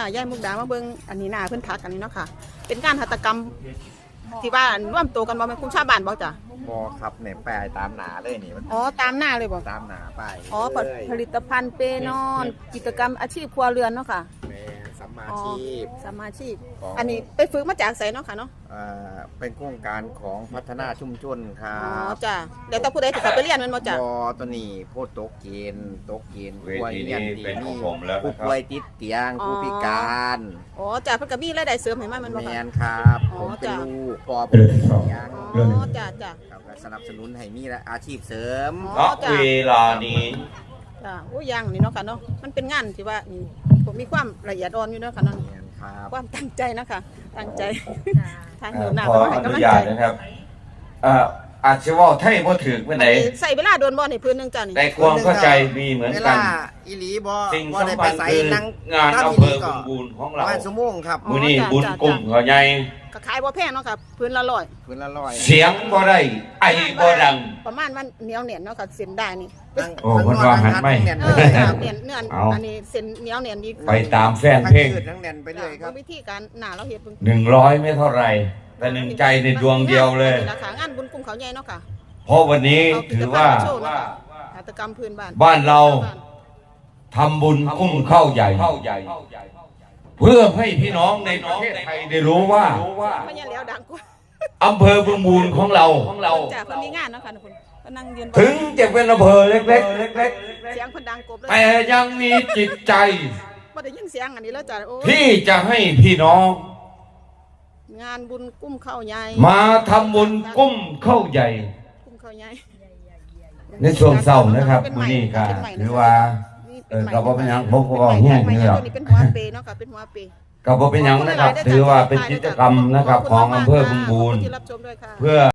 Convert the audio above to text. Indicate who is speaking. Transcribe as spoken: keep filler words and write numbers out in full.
Speaker 1: ย่ายมุกดามาเบิ่งอันนี้หน้าเพิ่นทักอันนี้เนาะค่ะเป็นการหัตถกรรมที่ว่าร่วมตัวกันบ่แม่นกลุ่มชาวบ้านบ่จ้ะ
Speaker 2: บอครับเนี่ยแปลตามหนาเลยนี่มัน
Speaker 1: อ๋อตามหน้าเลยบ่
Speaker 2: ตามหนาไป
Speaker 1: อ๋อผลิตภัณฑ์เปนอนกิจกรรมอาชีพครัวเรือนเนาะค่ะ
Speaker 2: แม่สัมมาชีพ
Speaker 1: สัมมาชีพอันนี้ไปฝึกมาจากไสเนาะค่ะเนาะ
Speaker 2: อ่าเป็นโครงการของพัฒนาชุมชนครั
Speaker 1: บอ๋อจ้ะเดี๋ยวต้องผู้ใดที่เขาไปเรียนมันบ่จ้ะ
Speaker 2: บอตัวนี้โพดตกเกณฑ์ตกเกณฑ์
Speaker 3: เวทีนี้เป็นของผมแล้ว
Speaker 2: ผู้
Speaker 3: นะครับ
Speaker 2: ป่วยติดเตียงผู้พิการ
Speaker 1: อ๋อจ้ะเพิ่นก็มีรายได้เสริมให้มันมันบ่
Speaker 2: แม
Speaker 1: ค่ะ
Speaker 2: นครับผมเป็นลูกปอเป็นเตียง
Speaker 1: อ๋อจ้ะจ้ะ
Speaker 2: ครับสนับสนุนให้มีอาชีพเสริม
Speaker 3: ณเวลานี้
Speaker 1: จ้ะโอ้ยังนี่เนาะค่ะเนาะมันเป็นงานที่ว่าผมมีความละเอียดอ่อนอยู่เนาะค่ะเนาะความตั้งใจนะคะตั้งใจทางเหนือหน้า
Speaker 3: ขออนุญาตนะครับอ่าอาชีวะไทยบ่ถือไปไหน
Speaker 1: ใส่เวลาโดนบ่ในพื้นนึงจ้ะนี่
Speaker 3: แต่ความเข้าใจมีเหมือนกัน
Speaker 2: อีหลีบ่
Speaker 3: สิ่ง
Speaker 2: บ่ได้
Speaker 3: สำ
Speaker 2: ไป
Speaker 3: คัญ
Speaker 2: ใส่
Speaker 3: คือ
Speaker 2: นัง
Speaker 3: งานอำเภอบึงบูรของเรา
Speaker 2: บ้านสมงครับ
Speaker 3: มื้อนี้บุญกุ้งเขาใหญ่
Speaker 1: ก็ขายบ่แพงเนาะค่ะพื้นละร้อย
Speaker 2: พื้นละร้อย
Speaker 3: เสียงบ่ได้ไอบ่ดัง
Speaker 1: ประมาณวันเหนียวเหนียนเนาะค่ะเส้นได้นี่
Speaker 3: โอ้คนว่าหันไม่
Speaker 1: เออค่ะเหนียนเนื้ออันนี้เส้นเหนียวเหนียนดี
Speaker 3: ไปตามแฟนเพลง
Speaker 2: ทั้งแน่นไปเลยครับ
Speaker 1: วิธีการหน้าเราเฮ็ดเบิ่ง
Speaker 3: หนึ่งร้อยไม่เท่าไรแต่หนึ่งใจในดวงเดียวเลย
Speaker 1: ราคางานบุญกุ้งเขาใหญ่เนาะค่ะ
Speaker 3: เพราะวันนี้ถือว่า
Speaker 1: หัตถกรรมพื้นบ้าน
Speaker 3: บ้านเราทำบุญกุ้งเข้าใหญ่เพื่อให้พี่น้องในประเทศไทยได้รู้ว่า
Speaker 1: ไม่ใช่แล้วดังกว่า
Speaker 3: อำเภอบึงบูรของเรา
Speaker 1: จากคนมีงานเนาะค่ะคุณก็นั่งยืน
Speaker 3: ถึงจะเป็นอำเภอเล็กๆเล็ก
Speaker 1: ๆเสียงคนดังกบเลย
Speaker 3: แต่ยังมีจิตใจ
Speaker 1: ไม่ได้ยินเสียงอันนี้แล้วจ้ะโอ้
Speaker 3: ที่จะให้พี่น้อง
Speaker 1: งานบุญกุ้มเข้าใหญ่
Speaker 3: มาทำบุญกุ้มเข้าใหญ่
Speaker 1: กุ้มเข้าใหญ่
Speaker 3: ในช่วงเศร้านะครับมื้อนี้ก็หรือว่าเออก็บ่เป็นหยังผมก็บ่แห้งนี่หรอก
Speaker 1: เป็นหัวเปเนาะค่ะเป็นหัวเป
Speaker 3: ก็บ่เป็นหยังนะครับถือว่าเป็นกิจกรรมนะครับของอำเภอบึงบูรเพื่อ